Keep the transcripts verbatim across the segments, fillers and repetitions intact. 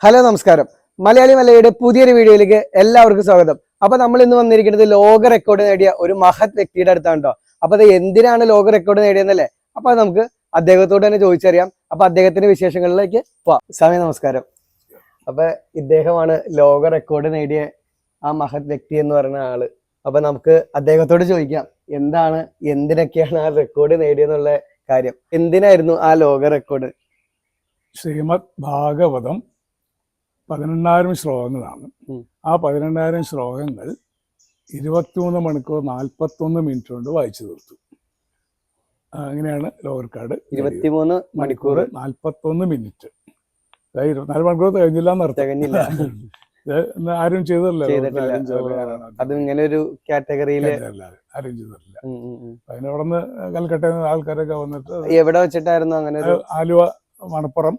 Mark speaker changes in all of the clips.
Speaker 1: Hello നമസ്കാരം. മലയാളി മലയുടെ പുതിയൊരു വീഡിയോയിലേക്ക് എല്ലാവർക്കും സ്വാഗതം. അപ്പൊ നമ്മൾ ഇന്ന് വന്നിരിക്കുന്നത് ലോക റെക്കോർഡ് നേടിയ ഒരു മഹത് വ്യക്തിയുടെ അടുത്താണ് കേട്ടോ. അപ്പൊ അത് എന്തിനാണ് ലോക റെക്കോർഡ് നേടിയെന്നല്ലേ, അപ്പൊ നമുക്ക് അദ്ദേഹത്തോട് തന്നെ ചോദിച്ചറിയാം. അപ്പൊ അദ്ദേഹത്തിന്റെ വിശേഷങ്ങളിലേക്ക് പോവാം. സ്വാമി നമസ്കാരം. അപ്പൊ ഇദ്ദേഹമാണ് ലോക റെക്കോർഡ് നേടിയ ആ മഹത് വ്യക്തി എന്ന് പറയുന്ന ആള്. അപ്പൊ നമുക്ക് അദ്ദേഹത്തോട് ചോദിക്കാം, എന്താണ് എന്തിനൊക്കെയാണ് ആ റെക്കോർഡ് നേടിയെന്നുള്ള കാര്യം. എന്തിനായിരുന്നു ആ ലോക റെക്കോർഡ്?
Speaker 2: ശ്രീമദ് ഭാഗവതം പതിനെണ്ണായിരം ശ്ലോകങ്ങളാണ്. ആ പതിനെണ്ണായിരം ശ്ലോകങ്ങൾ ഇരുപത്തിമൂന്ന് മണിക്കൂർ നാൽപ്പത്തൊന്ന് മിനിറ്റ് കൊണ്ട് വായിച്ചു തീർത്തു. അങ്ങനെയാണ് ലോക റെക്കോർഡ്.
Speaker 1: ഇരുപത്തിമൂന്ന് മണിക്കൂർ
Speaker 2: നാൽപ്പത്തൊന്ന് മിനിറ്റ്. ഇരുപത്തിനാല് മണിക്കൂർ തികഞ്ഞില്ല എന്നർത്ഥം. ആരും ചെയ്തല്ലോ,
Speaker 1: അത് ഇങ്ങനെ ഒരു കാറ്റഗറിയില്
Speaker 2: ആരും ചെയ്തിട്ടില്ല. അതിനവിടെ നിന്ന് കൽക്കട്ടയിൽ നിന്ന് ആൾക്കാരൊക്കെ വന്നിട്ട്
Speaker 1: എവിടെ വെച്ചിട്ടായിരുന്നു അങ്ങനെ?
Speaker 2: ആലുവ മണപ്പുറം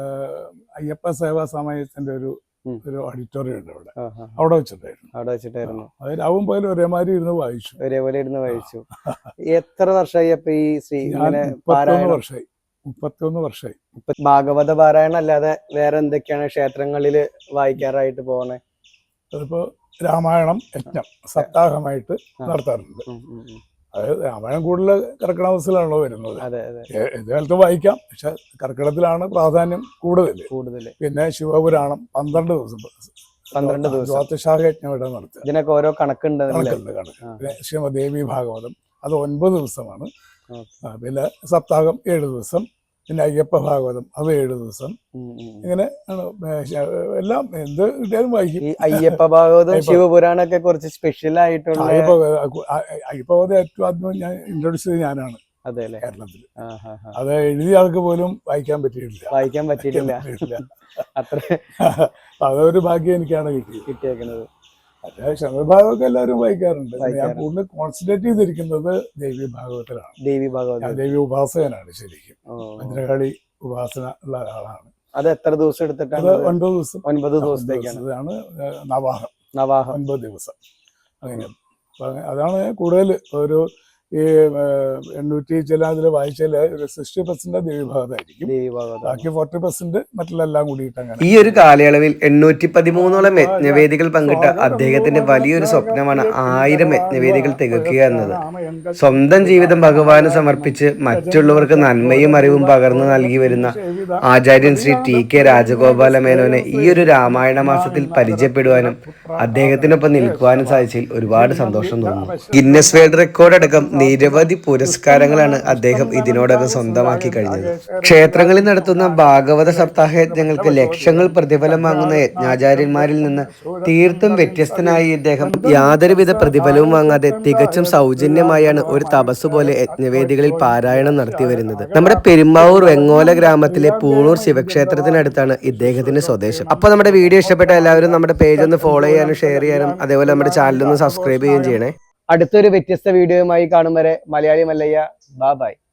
Speaker 2: അയ്യപ്പ സേവാ സമയത്തിന്റെ ഒരു ഒരു ഓഡിറ്റോറിയം ഉണ്ട് അവിടെ, അവിടെ വെച്ചിട്ടായിരുന്നു
Speaker 1: അവിടെ വെച്ചിട്ടായിരുന്നു
Speaker 2: അതിൽ ആവും പോലും ഒരേമാതിരി ഇരുന്ന് വായിച്ചു
Speaker 1: ഒരേപോലെ ഇരുന്ന് വായിച്ചു. എത്ര വർഷമായി അപ്പൊ ഈ ശ്രീ?
Speaker 2: മുപ്പത്തിയൊന്ന് വർഷമായി മുപ്പത്തിയൊന്ന് വർഷമായി
Speaker 1: ഭാഗവത പാരായണം അല്ലാതെ വേറെ എന്തൊക്കെയാണ് ക്ഷേത്രങ്ങളില് വായിക്കാറായിട്ട് പോകുന്നത്?
Speaker 2: അതിപ്പോ രാമായണം യജ്ഞം സപ്താഹമായിട്ട് നടത്താറുണ്ട്. അതായത് രാമായണം കൂടുതൽ കർക്കിടകത്തിലാണല്ലോ വരുന്നത്. ഏത് കാലത്തും വായിക്കാം, പക്ഷെ കർക്കിടകത്തിലാണ് പ്രാധാന്യം കൂടുതൽ കൂടുതൽ പിന്നെ ശിവപുരാണം പന്ത്രണ്ട് ദിവസം
Speaker 1: പന്ത്രണ്ട് ദിവസം
Speaker 2: ദ്വാദശാഖ യജ്ഞം ഇവിടെ നടത്തുക.
Speaker 1: ഇതിനൊക്കെ ഓരോ കണക്കുണ്ട്
Speaker 2: കണക്കുണ്ട് കണക്ക്. പിന്നെ ശ്രീമദേവി ഭാഗവതം അത് ഒൻപത് ദിവസമാണ്. പിന്നെ സപ്താഹം ഏഴ് ദിവസം. പിന്നെ അയ്യപ്പ ഭാഗവതം അത് ഏഴ് ദിവസം. ഇങ്ങനെ എല്ലാം എന്ത് കിട്ടിയാലും വായിക്കും.
Speaker 1: അയ്യപ്പ ഭാഗവതം ശിവപുരാണൊക്കെ കുറച്ച് സ്പെഷ്യൽ ആയിട്ടുള്ള
Speaker 2: അയ്യപ്പ ഭാഗവതം ഏറ്റവും ആദ്യം ഞാൻ ഇൻട്രൊഡ്യൂസ് ചെയ്ത് ഞാനാണ് കേരളത്തിൽ. അത് എഴുതിയ ആൾക്ക് പോലും വായിക്കാൻ പറ്റിയിട്ടില്ല
Speaker 1: വായിക്കാൻ പറ്റിയിട്ടില്ല അത്ര
Speaker 2: അതൊരു ഭാഗ്യം എനിക്കാണ് കിട്ടി കിട്ടിയേക്കുന്നത്. പക്ഷേ ശങ്കരഭാഗവതം എല്ലാവരും വായിക്കാറുണ്ട്. ഞാൻ കൂടുതൽ കോൺസെൻട്രേറ്റ് ചെയ്തിരിക്കുന്നത് ദേവി ഭാഗവതത്തിലാണ്.
Speaker 1: ദേവി ഭാഗവതം
Speaker 2: ദേവി ഉപാസകനാണ് ശരിക്കും. ഭദ്രകാളി ഉപാസന ഉള്ള ഒരാളാണ്.
Speaker 1: അത് എത്ര ദിവസം എടുത്തിട്ടാണ്?
Speaker 2: ഒൻപത് ദിവസം
Speaker 1: ഒൻപത് ദിവസത്തേക്കാണ്
Speaker 2: നവാഹം.
Speaker 1: നവാഹം
Speaker 2: ഒൻപത് ദിവസം അങ്ങനെ. അതാണ് കൂടുതൽ ഒരു ഈ എണ്ണൂറ്റി ചില അതിൽ വായിച്ചാൽ ഒരു സിക്സ്റ്റി പെർസെന്റ് ദേവി ഭാഗത്തായിരിക്കും, ബാക്കി ഫോർട്ടി പെർസെന്റ് മറ്റുള്ളെല്ലാം കൂടിയിട്ട് അങ്ങനെ.
Speaker 1: ഈ ഒരു കാലയളവിൽ എണ്ണൂറ്റി പതിമൂന്നോളം യജ്ഞവേദികൾ പങ്കിട്ട അദ്ദേഹത്തിന്റെ വലിയൊരു സ്വപ്നമാണ് ആയിരം യജ്ഞവേദികൾ തികക്കുക എന്നത്. സ്വന്തം ജീവിതം ഭഗവാന് സമർപ്പിച്ച് മറ്റുള്ളവർക്ക് നന്മയും അറിവും പകർന്നു നൽകി വരുന്ന ആചാര്യൻ ശ്രീ ടി കെ രാജഗോപാല മേനോനെ ഈ ഒരു രാമായണ മാസത്തിൽ പരിചയപ്പെടുവാനും അദ്ദേഹത്തിനൊപ്പം നിൽക്കുവാനും സാധിച്ചതിൽ ഒരുപാട് സന്തോഷം തോന്നുന്നു. ഗിന്നസ് വേൾഡ് റെക്കോർഡ് അടക്കം നിരവധി പുരസ്കാരങ്ങളാണ് അദ്ദേഹം ഇതിനോടകം സ്വന്തമാക്കി കഴിഞ്ഞത്. ക്ഷേത്രങ്ങളിൽ നടത്തുന്ന ഭാഗവത സപ്താഹ യജ്ഞങ്ങൾക്ക് ലക്ഷങ്ങൾ പ്രതിഫലം വാങ്ങുന്ന യജ്ഞാചാര്യന്മാരിൽ നിന്ന് തീർത്തും വ്യത്യസ്തനായി ഇദ്ദേഹം യാതൊരുവിധ പ്രതിഫലവും വാങ്ങാതെ തികച്ചും സൗജന്യമായാണ് ഒരു തപസ് പോലെ യജ്ഞവേദികളിൽ പാരായണം നടത്തി വരുന്നത്. നമ്മുടെ പെരുമ്പാവൂർ വെങ്ങോല ഗ്രാമത്തിലെ പൂണൂർ ശിവക്ഷേത്രത്തിനടുത്താണ് ഇദ്ദേഹത്തിന്റെ സ്വദേശം. അപ്പൊ നമ്മുടെ വീഡിയോ ഇഷ്ടപ്പെട്ട എല്ലാവരും നമ്മുടെ പേജ് ഒന്ന് ഫോളോ ചെയ്യാനും ഷെയർ ചെയ്യാനും അതേപോലെ നമ്മുടെ ചാനൽ ഒന്ന് സബ്സ്ക്രൈബ് ചെയ്യുകയും ചെയ്യണേ. അടുത്തൊരു വ്യത്യസ്ത വീഡിയോയുമായി കാണും വരെ മലയാളി മല്ലയ്യ, ബൈ ബൈ.